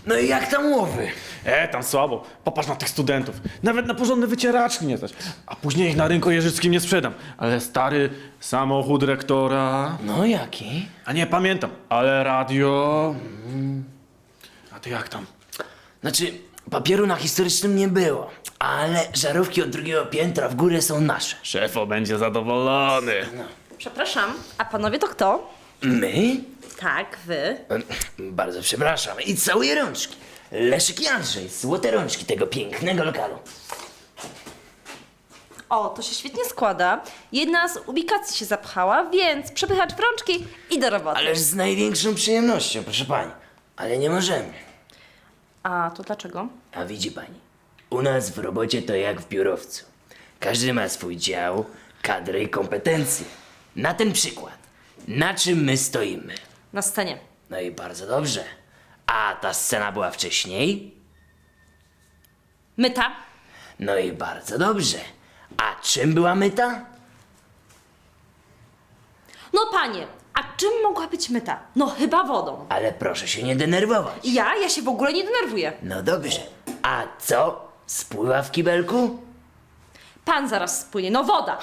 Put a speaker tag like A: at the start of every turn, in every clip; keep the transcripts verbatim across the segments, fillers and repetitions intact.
A: No i jak tam łowy?
B: E, tam słabo. Popatrz na tych studentów. Nawet na porządne wycieraczki nie stać. A później ich na rynku jeżyckim nie sprzedam. Ale stary samochód rektora...
A: No jaki?
B: A nie pamiętam. Ale radio... A ty jak tam?
A: Znaczy, papieru na historycznym nie było, ale żarówki od drugiego piętra w górę są nasze.
B: Szefo będzie zadowolony.
C: Przepraszam, a panowie to kto?
A: My?
C: Tak, wy.
A: E, Bardzo przepraszam. I całuję rączki. Leszek i Andrzej, złote rączki tego pięknego lokalu.
C: O, to się świetnie składa. Jedna z ubikacji się zapchała, więc przepychacz w rączki i do roboty.
A: Ależ z największą przyjemnością, proszę pani. Ale nie możemy.
C: A to dlaczego?
A: A widzi pani, u nas w robocie to jak w biurowcu. Każdy ma swój dział, kadrę i kompetencje. Na ten przykład, na czym my stoimy?
C: Na scenie.
A: No i bardzo dobrze. A ta scena była wcześniej?
C: Myta.
A: No i bardzo dobrze. A czym była myta?
C: No panie, a czym mogła być myta? No chyba wodą.
A: Ale proszę się nie denerwować.
C: Ja? Ja się w ogóle nie denerwuję.
A: No dobrze. A co? Spływa w kibelku?
C: Pan zaraz spłynie. No woda.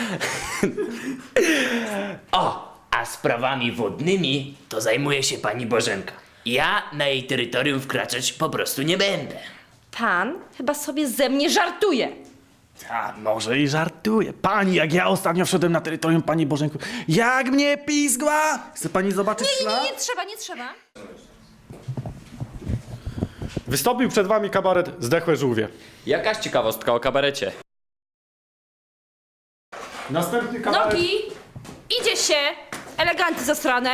A: O, a sprawami wodnymi to zajmuje się pani Bożenka. Ja na jej terytorium wkraczać po prostu nie będę.
C: Pan chyba sobie ze mnie żartuje.
B: A może i żartuję. Pani, jak ja ostatnio wszedłem na terytorium pani Bożenku, jak mnie pizgła! Chce pani zobaczyć
C: Nie,
B: ślad?
C: nie, nie trzeba, nie trzeba.
B: Wystąpił przed wami kabaret Zdechłe żółwie.
D: Jakaś ciekawostka o kabarecie.
B: Następny kabaret...
C: Nogi! Idzie się! Eleganty zasrane.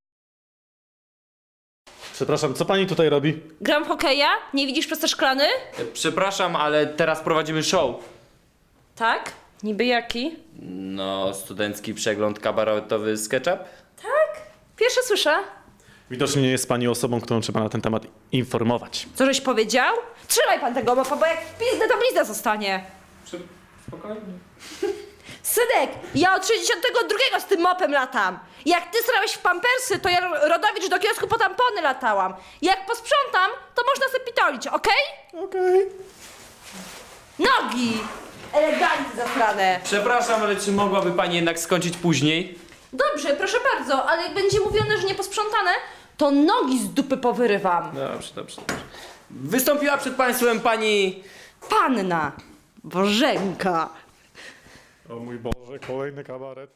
B: Przepraszam, co pani tutaj robi?
C: Gram w hokeja? Nie widzisz przez te szklany?
D: E, Przepraszam, ale teraz prowadzimy show.
C: Tak? Niby jaki?
D: No, studencki przegląd kabaretowy SketchUp?
C: Tak? Pierwsze słyszę.
B: Widocznie nie jest pani osobą, którą trzeba na ten temat informować.
C: Co żeś powiedział? Trzymaj pan tego mopa, bo jak pizdę, to blizna zostanie.
D: Spokojnie.
C: Synek, ja od sześćdziesiątego drugiego z tym mopem latam. Jak ty strałeś w pampersy, to ja Rodowicz do kiosku po tampony latałam. Jak posprzątam, to można sobie pitolić, okej?
B: Okej.
C: Nogi! Eleganty zasrane.
D: Przepraszam, ale czy mogłaby pani jednak skończyć później?
C: Dobrze, proszę bardzo, ale jak będzie mówione, że nie posprzątane, to nogi z dupy powyrywam.
D: Dobrze, dobrze, dobrze. Wystąpiła przed państwem pani...
C: Panna Bożenka.
B: O mój Boże, kolejny kabaret.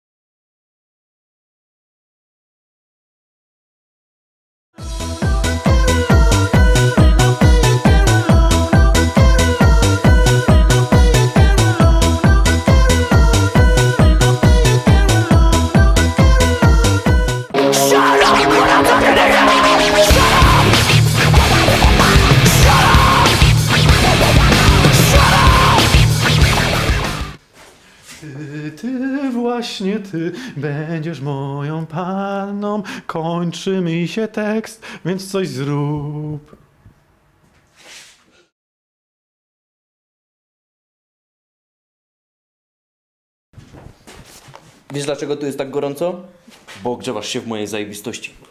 B: Ty, ty, właśnie ty będziesz moją panną. Kończy mi się tekst, więc coś zrób.
D: Wiesz dlaczego tu jest tak gorąco? Bo ogrzewasz się w mojej zajebistości.